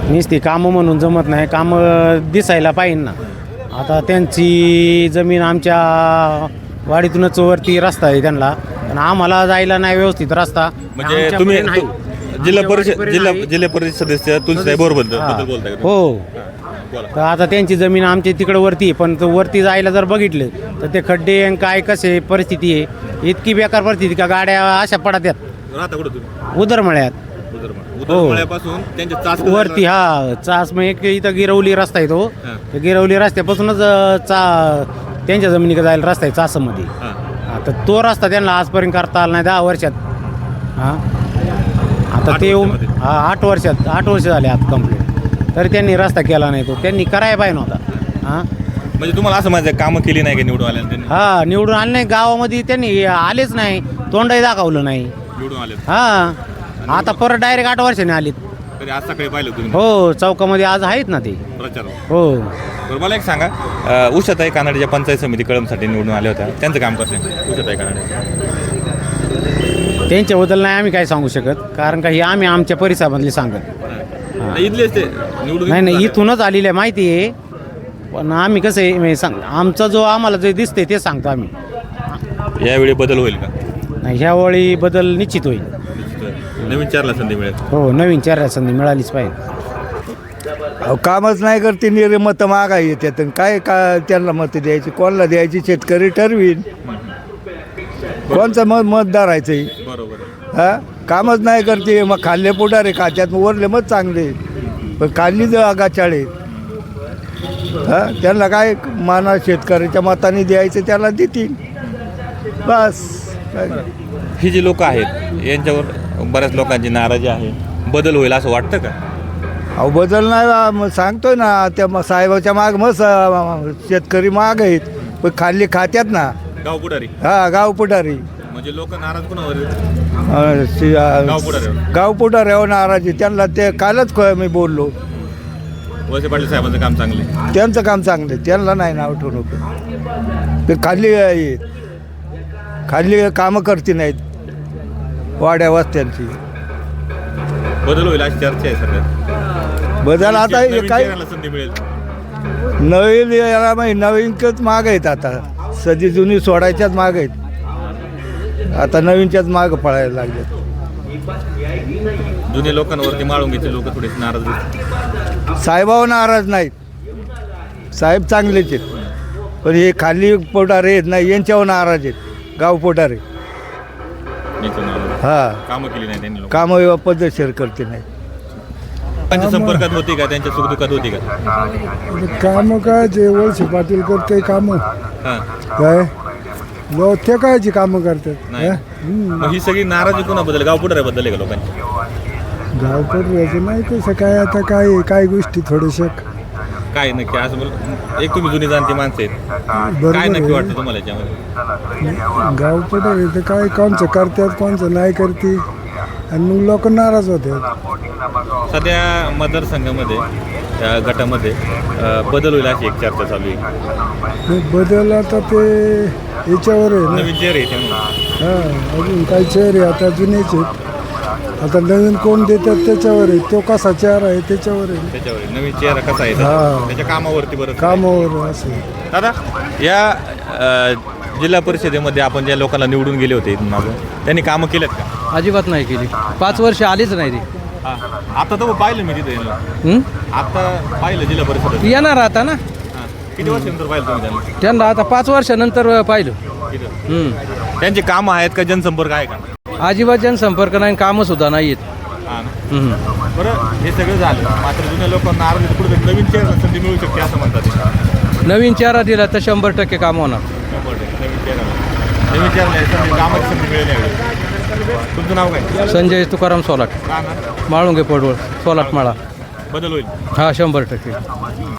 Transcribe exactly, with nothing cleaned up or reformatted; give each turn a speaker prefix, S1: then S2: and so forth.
S1: नुसती कामं म्हणून जमत नाही, कामं दिसायला पाहिजे ना. आता त्यांची जमीन आमच्या वाडीतूनच वरती रस्ता आहे त्यांना, पण आम्हाला जायला नाही व्यवस्थित रस्ता.
S2: म्हणजे तुम्ही जिल्हा परिषद जिल्हा जिल्हा परिषद सदस्य तुलसीताई बोरबद्दल बद्दल बोलताय का तुम्ही?
S1: हो.
S2: हां, बोला.
S1: तर आता त्यांची जमीन आमच्या तिकडं वरती आहे, पण तो वरती जायला जर बघितलं तर ते खड्डे आणि काय कसे परिस्थिती आहे, इतकी बेकार परिस्थिती का गाड्या अशा पडत्यात
S2: राहता कुठं तुम्ही?
S1: उदरमळ्यात
S2: उदरमळा उदरमळ्यापासून त्यांच्या चास
S1: वरती. हा चास मग एक इथं गिरवली रस्ता आहे तो,
S2: हां.
S1: त्या गिरवली रस्त्यापासूनच अं, चा त्यांच्या जमिनीकडे जायला रस्ता आहे चासमध्ये.
S2: हां.
S1: हा, तर तो रस्ता त्यांना आजपर्यंत करता आला नाही दहा वर्षात. हां आता
S2: आठ
S1: ते
S2: वर्षामध्ये?
S1: हा आठ वर्षात आठ वर्ष झाले आता कंप्लीट, तरी त्यांनी रस्ता केला नाही. तो त्यांनी करायला पाहिजे नव्हता. हां
S2: म्हणजे तुम्हाला असं माहिती आहे कामं केली नाही का निवडून आल्या त्यांनी?
S1: हा निवडून आले नाही, गावामध्ये त्यांनी आलेच नाही, तोंडही दाखवलं नाही.
S2: निवडून आले
S1: हा आता परत डायरेक्ट आठ वर्षाने आलीत.
S2: तरी आज सकाळी पाहिलं तुम्ही
S1: हो चौकामध्ये आज आहेत ना ते.
S2: प्रचार.
S1: हो
S2: बरं मला एक सांगा, अ, उषाताई कानडे ज्या पंचायत समिती कळमसाठी निवडून आल्या होत्या त्यांचं काम कसं आहे? उषाताई कानडे
S1: त्यांच्याबद्दल नाही आम्ही काय सांगू शकत, कारण का हे आम्ही आमच्या परिसरामधले सांगत
S2: नाही, इथलेच ते निवडून
S1: नाही. नाही
S2: आले.
S1: इथूनच आलेलं आहे माहिती आहे, पण आम्ही कसं आहे म्हणजे सांग आमचा जो आम्हाला जे दिसते ते सांगतो आम्ही.
S2: यावेळी बदल होईल का?
S1: नाही ह्यावेळी बदल निश्चित होईल.
S2: नवीन चारला संधी मिळेल.
S1: हो नवीन चार संधी मिळालीच पाहिजे.
S3: अहो कामच नाही करते, निरे मतं मागाय येतात आणि काय का त्यांना मतं द्यायची, कोणाला द्यायची शेतकरी ठरवीन. कोणचं मत मत धरायचं
S2: बरोबर.
S3: हा कामच नाही करते, मग खाल्ले पुढारे खात्यात वरले मत चांगले, पण खाल्ली जर आगाचाळे हा त्यांना काय माना शेतकऱ्याच्या मताने द्यायचं त्याला देतील बस. काय
S2: ही जी लोक आहेत यांच्यावर बऱ्याच लोकांची नाराजी आहे, बदल होईल असं वाटतं का?
S3: अहो बदल नाही बा, मग सांगतोय ना त्या मग साहेबाच्या माग मग स- शेतकरी माग आहेत, पण खाल्ली खात्यात ना.
S2: गाव पुढारी
S3: हा गाव पुढारी
S2: म्हणजे लोक नाराज कोणावर?
S3: अं, शि- अं,
S2: गाव पुढाऱ्यावर.
S3: गाव पुढाऱ्यावर नाराजी त्यांना ते कालच क- मी बोललो
S2: वळसे पाटील साहेबांचं काम चांगले.
S3: त्यांचं काम चांगलं आहे, त्यांना नाही नाव ठेवू नको. ते खाल्ली हे- खाल्ली कामं करते नाहीत वाड्या वस्त्यांची.
S2: बदल होईल अशी चर्चा आहे सगळ्यात.
S3: बदल आता हे
S2: नवीन
S3: काय
S2: चेहऱ्याला संधी मिळेल.
S3: नवीन याला माहिती नवीनच माग आहेत, आता सदी जुनी सोडायच्याच माग आहेत, आता नवीनच्याच माग पळायला लागल्यात.
S2: जुने लोकांवरती माळुंगीचे लोक थोडेसे नाराज दिसतात.
S3: साहेबावर नाराज नाहीत, साहेब चांगलेच आहेत, पण हे खाली पोटारे आहेत नाही यांच्यावर नाराज आहेत गाव पोटारे.
S2: इथून आलो.
S3: हा
S2: कामं केली नाही त्यांनी लोक.
S3: कामं पद्धतशीर करते नाही.
S2: त्यांच्या संपर्कात होती का? त्यांच्या सुखदुःखात होती का?
S4: काम काय जे वळसे पाटील करते कामं
S2: हां.
S4: काय लोक ते कायची कामं करतात.
S2: नाही. मग ही सगळी नाराजी कोणाबद्दल? गाव पुढाऱ्याबद्दल आहे का लोकांची?
S4: गावकर याचं नाही कसं काय आता काय काय गोष्टी थोडेशा
S2: काय नक्की असं बोल, एक तुम्ही जुनी जाणती माणसं आहेत,
S4: बरोबर
S2: काय नक्की
S4: आहे.
S2: वाटतं तुम्हाला याच्यामध्ये?
S4: गाव पुढे ते काय कोणचं करतात कोणचं नाही करते आणि मग लोक नाराज होतात.
S2: सध्या मतदारसंघामध्ये त्या गटामध्ये अ, बदल होईल अशी एक चर्चा चालू आहे.
S4: मग बदल आता ते याच्यावर आहे ना.
S2: नवीन चेहरे आहेत त्यामुळे.
S4: हां अजून काही चेहरे आता जुनेच आहेत, आता नवीन कोण देतात त्याच्यावर आहे, तो कसा चेहरा आहे त्याच्यावर आहे,
S2: त्याच्यावर आहे. नवीन चेहरा कसा आहे
S4: हां.
S2: त्याच्या कामावरती बरं.
S4: कामावर असं.
S2: दादा या अ, जिल्हा परिषदेमध्ये आपण ज्या लोकांना निवडून गेले होते इथून मागं, त्यांनी कामं केलेत का?
S5: अजिबात नाही केली, पाच वर्ष आलीच नाही ती.
S2: हां. आता तर पाहिलं मी तिथे
S5: हं?
S2: आता पाहिलं जिल्हा परिषद.
S5: येणार आता ना,
S2: किती वर्षानंतर पाहिलं तुम्ही त्यांना?
S5: त्यांना आता पाच वर्षानंतर पाहिलं.
S2: तिथं
S5: हं.
S2: त्यांची कामं आहेत का? जनसंपर्क आहे का?
S5: अजिबात जनसंपर्क नाही, कामं सुद्धा नाही आहेत.
S2: हां ना.
S5: हं.
S2: बरं हे सगळं झालं, मात्र जुन्या लोकांना आरोग्य कुठे नवीन चेहरा संधी मिळू शकते असं म्हणतात.
S5: नवीन चेहरा दिला तर शंभर टक्के काम होणार.
S2: शंभर टक्के नवीन चेहरा नवीन चेहरा संधी कामाची संधी मिळेल यावेळी. तुमचं नाव काय?
S5: संजय तुकाराम सोलाट,
S2: का ना
S5: माळुंगे पडवळ, सोलाट माळा.
S2: बदल होईल.
S5: हा शंभर टक्के.